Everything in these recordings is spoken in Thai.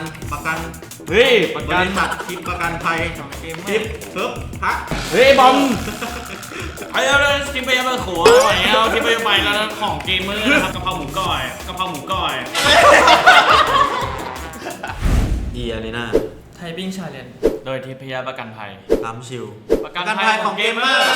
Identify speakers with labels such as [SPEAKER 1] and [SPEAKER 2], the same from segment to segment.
[SPEAKER 1] กัน
[SPEAKER 2] เฮ้ยประ
[SPEAKER 1] บ
[SPEAKER 2] กัน
[SPEAKER 1] ริษัททิปประกันภัยทิปเพิ่มพัก
[SPEAKER 2] เฮ้ยบอมไอ้เอาเลยทิปไปยังมาขวดหน่อยเอาทิปไปแล้วของเกมเมอร์นะครับกะเพราหมูก้อย
[SPEAKER 3] ดีอารีนา
[SPEAKER 4] ไทยบิ้งชาเลนจ์
[SPEAKER 2] โดยทิพยประกันภัย
[SPEAKER 3] ตามชิล
[SPEAKER 2] ประกันภัยของเกมเมอร์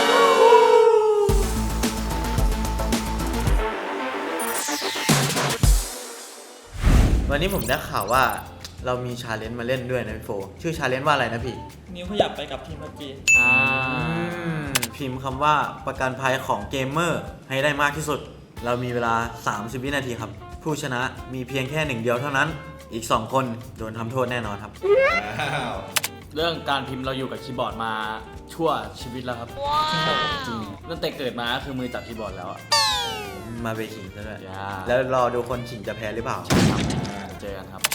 [SPEAKER 3] วันนี้ผมได้ข่าวว่าเรามีชาเลนจ์มาเล่นด้วยนะพี่โฟชื่อชาเลนจ์ว่าอะไรนะพี่
[SPEAKER 4] นิ้วขยับไปกับทีมพับจี
[SPEAKER 3] พิมพ์คำว่าประกันภัยของเกมเมอร์ให้ได้มากที่สุดเรามีเวลา30 วินาทีครับผู้ชนะมีเพียงแค่1 เดียวเท่านั้นอีก2 คนโดนทำโทษแน่นอนครับ
[SPEAKER 2] เรื่องการพิมพ์เราอยู่กับคีย์บอร์ดมาชั่วชีวิตแล้วครับจริงตั้งแต่เกิดมาคือมือจับคีย์บอร์ดแล้ว
[SPEAKER 3] มาเบขิงซะด้วยแล้วรอดูคนขิงจะแพ้หรือเปล่า
[SPEAKER 2] เจอกันครับ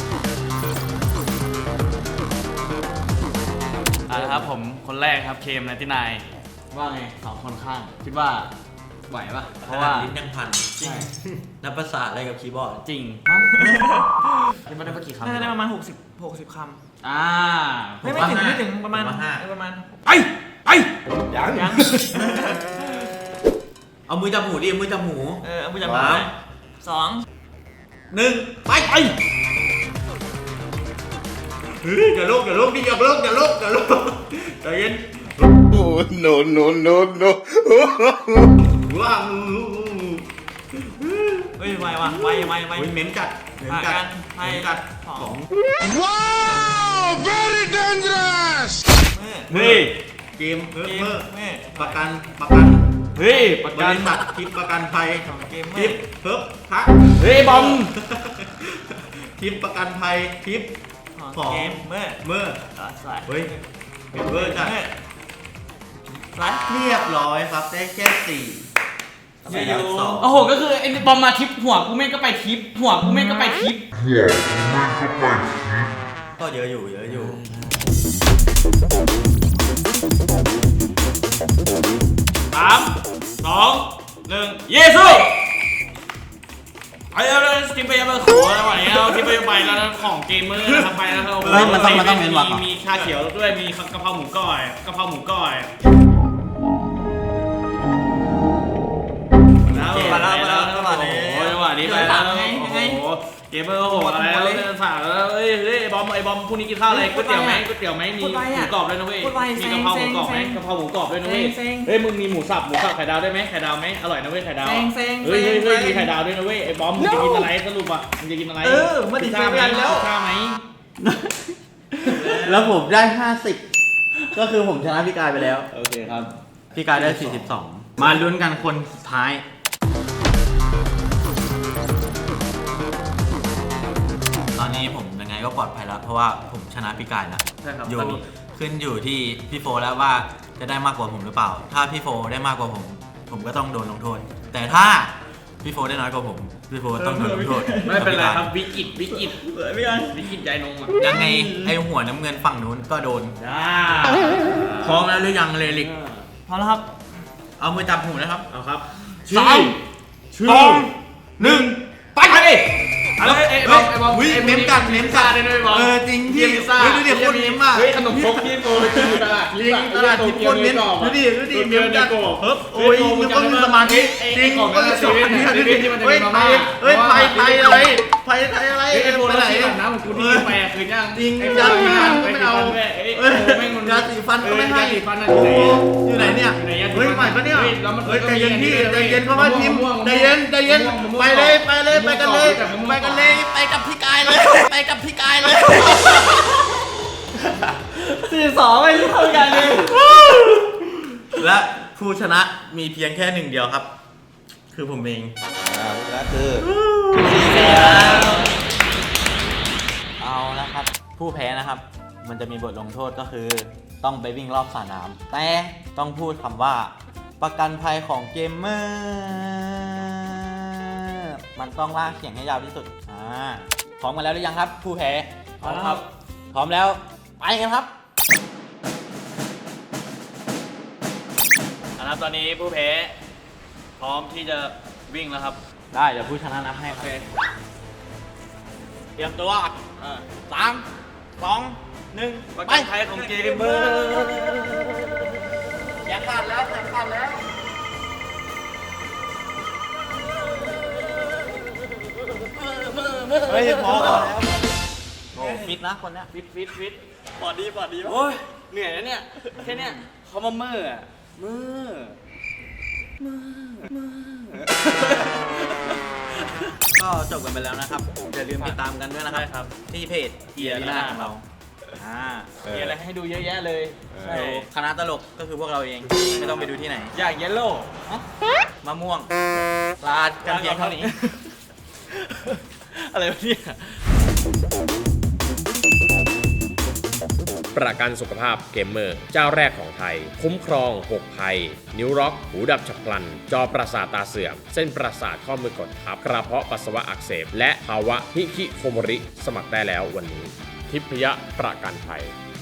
[SPEAKER 2] ครับผมคนแรกครับเคม99ว่าไง2 คนข้างคิดว่าไหวปะเพราะว่า
[SPEAKER 3] ลิ้นยังพันจริงนับภาษาอะไรกับคีย์บอร์ด
[SPEAKER 2] จริงคิดว่าได้กี่คำ
[SPEAKER 4] ได้ประมาณ60 คำไม่ถึงประมาณไปยัง
[SPEAKER 3] เอามือจับหูดิมือจับหู
[SPEAKER 4] เอามือจับหู2
[SPEAKER 3] 1ไป
[SPEAKER 1] เฮ้ยอย่าลุกนี่อย่าลุกใจเย็น
[SPEAKER 5] โอ้ no
[SPEAKER 1] ว้าว
[SPEAKER 4] เฮ้ยไว
[SPEAKER 1] เหม็นกัดของ
[SPEAKER 5] ว้าว very dangerous
[SPEAKER 1] เฮ้ยเกมเพิ่มประกัน
[SPEAKER 2] เฮ้ยประกัน
[SPEAKER 1] บริษัททิปประกันภัยทิปเพิ่มพัก
[SPEAKER 2] เฮ้ยบอม
[SPEAKER 1] ทิปประกันภัยทิปของ
[SPEAKER 4] เกมเมื่อ
[SPEAKER 1] เฮ้ยเกมเมื่อจัดเรียบร้อยครับได้แค่4
[SPEAKER 2] โอ้โหก็คือไอ้บอมมาทิปหัวกูแม่งก็ไปทิป
[SPEAKER 3] ก็เยอะอยู่
[SPEAKER 2] 3 2 1เยซูไอ้เอาเลยทิปไปยังมาขวดหน่อยเอาทิปไปแล้วของเกมเมอร์นะครับไปแล้ว
[SPEAKER 3] มันต้องเน้นวัก
[SPEAKER 2] มีชาเขียวด้วยมีกะเพราหมูก้อย
[SPEAKER 4] มาแล้ว
[SPEAKER 2] จังหวะนี้ไปแล้วโอ้โหเกมเมอร์โอ้โหอะไรแล้วฝากแล้วเฮ้ยบอมพรุ่งนี้กินข้าวอะไรก๋วยเตี๋ยวไหมมีหมูกรอบด้วยนะเว้ยมีกะเพราหมูกรอบไหมกะเพราหมูกรอบด้วยนะเว้ยเฮ้ยมึงมีหมูสับไข่ดาวได้ไหมไข่ดาวไหมอร่อยนะเว้ยไข่ดาวเฮ้ยมีไข่ดาวด้วยนะเว้ยไอ้บอมมึงจะกินอะไรสรุปอ่ะมึงจะกินอะไร
[SPEAKER 4] มาดิข้าว
[SPEAKER 2] ไหม
[SPEAKER 3] แล้วผมได้50ก็คือผมชนะพี่กายไปแล้ว
[SPEAKER 2] โอเคครับ
[SPEAKER 3] พี่กายได้42มาลุ้นกันคนสุดท้ายตอนนี้ผมยังไงก็ปลอดภัยแล้วเพราะว่าผมชนะพี่กายแล้วขึ้นอยู่ที่พี่โฟแล้วว่าจะได้มากกว่าผมหรือเปล่าถ้าพี่โฟได้มากกว่าผมก็ต้องโดนลงโทษแต่ถ้าพี่โฟได้น้อยกว่าผมพี่โฟต้องโดนลงโทษ
[SPEAKER 2] ไม่เป็นไรครับวิกฤตใจนง
[SPEAKER 3] ยังไงไอหัวน้ำเงินฝั่งนู้นก็โดนพร้อมแล้วหรือยังเลลิก
[SPEAKER 4] พร้อมแล้วครับ
[SPEAKER 3] เอามือจับหูนะครับ
[SPEAKER 2] เอาครับ
[SPEAKER 3] 3 2 1ไป
[SPEAKER 2] ไอ้บอม
[SPEAKER 3] เม้มกัดเลยด้วยบอมจริงที่ดูดิโคตรเม้มอ่ะ
[SPEAKER 2] ขนมครกที่โกตลาด
[SPEAKER 3] ที่โคตรเม้มดูดิเม้มกัดโอ้ยมันต้องมีสมาธิจริงก็เลยสอนดูดิเฮ้ยไฟอะไรไปไหน
[SPEAKER 2] น้ำของกูที่ไปคืนยัง
[SPEAKER 3] จริงยาสีฟันไม่เอายาสีฟันก็ไม่ให้อยู่ไหนเนี่ยเฮ้ยใหม่ปะเนี่ยเฮ้ยใจเย็นพี่ใจเย็นเพราะว่าทีมใจเย็นไปเลยไปกันเลยไปกับพี่กายเลย
[SPEAKER 4] 42ไม่เท่ากันเลย
[SPEAKER 3] และผู้ชนะมีเพียงแค่1 เดียวครับคือผมเอง
[SPEAKER 5] และคือ
[SPEAKER 3] เอาละครับผู้แพ้นะครับมันจะมีบทลงโทษก็คือต้องไปวิ่งรอบสระน้ำแต่ต้องพูดคำว่าประกันภัยของเกมเมอร์มันต้องลากเสียงให้ยาวที่สุดพร้อมกันแล้วหรือยังครับผู้แพ้
[SPEAKER 2] พร้อมครับ
[SPEAKER 3] พร้อมแล้วไปกันครับ
[SPEAKER 2] ตอนนี้ผู้แพ้พร้อมที่จะวิ่งแล้วครับ
[SPEAKER 3] ได้เดี๋ยวผู้ชนะนับให้ครับ
[SPEAKER 4] เตรียมตัว3 2 1
[SPEAKER 2] ประ
[SPEAKER 4] ไป
[SPEAKER 2] กันภัยของเกมเมอร์
[SPEAKER 4] แขนขาดแล้วแขนขาดแล้วเฮ้ยพอแล้วโอ้ฟิตนะคนเนี้ย
[SPEAKER 2] ฟิต
[SPEAKER 4] ปอดดี
[SPEAKER 2] โอ้ยเหนื่อยนะเนี่ยแค่เนี้ยเขามาเมื่ออะเมื่อ
[SPEAKER 3] ก็จบกันไปแล้วนะครับ อย่าลืมติดตามกันด้วยนะค
[SPEAKER 2] ใช่
[SPEAKER 3] รับ
[SPEAKER 2] ครับ
[SPEAKER 3] ที่เพจเอียรีนาของเราอ่า
[SPEAKER 2] มีอะไรให้ดูเยอะแยะเลยใช่
[SPEAKER 3] คณะตลกก็คือพวกเราเอง ไม่ต้องไปดูที่ไหน
[SPEAKER 2] อย่างเยลโล่
[SPEAKER 3] มะม่วงลากันเพียงเท่านี้
[SPEAKER 2] อะไรวะเนี่ย
[SPEAKER 6] ประกันสุขภาพเกมเมอร์เจ้าแรกของไทย คุ้มครอง 6 ภัย นิ้วร็อก หูดับฉับพลัน จอประสาทตาเสื่อม เส้นประสาทข้อมือกดทับ กระเพาะปัสสาวะอักเสบ และภาวะฮิคิโคโมริ สมัครได้แล้ววันนี้ ทิพยประกันภัย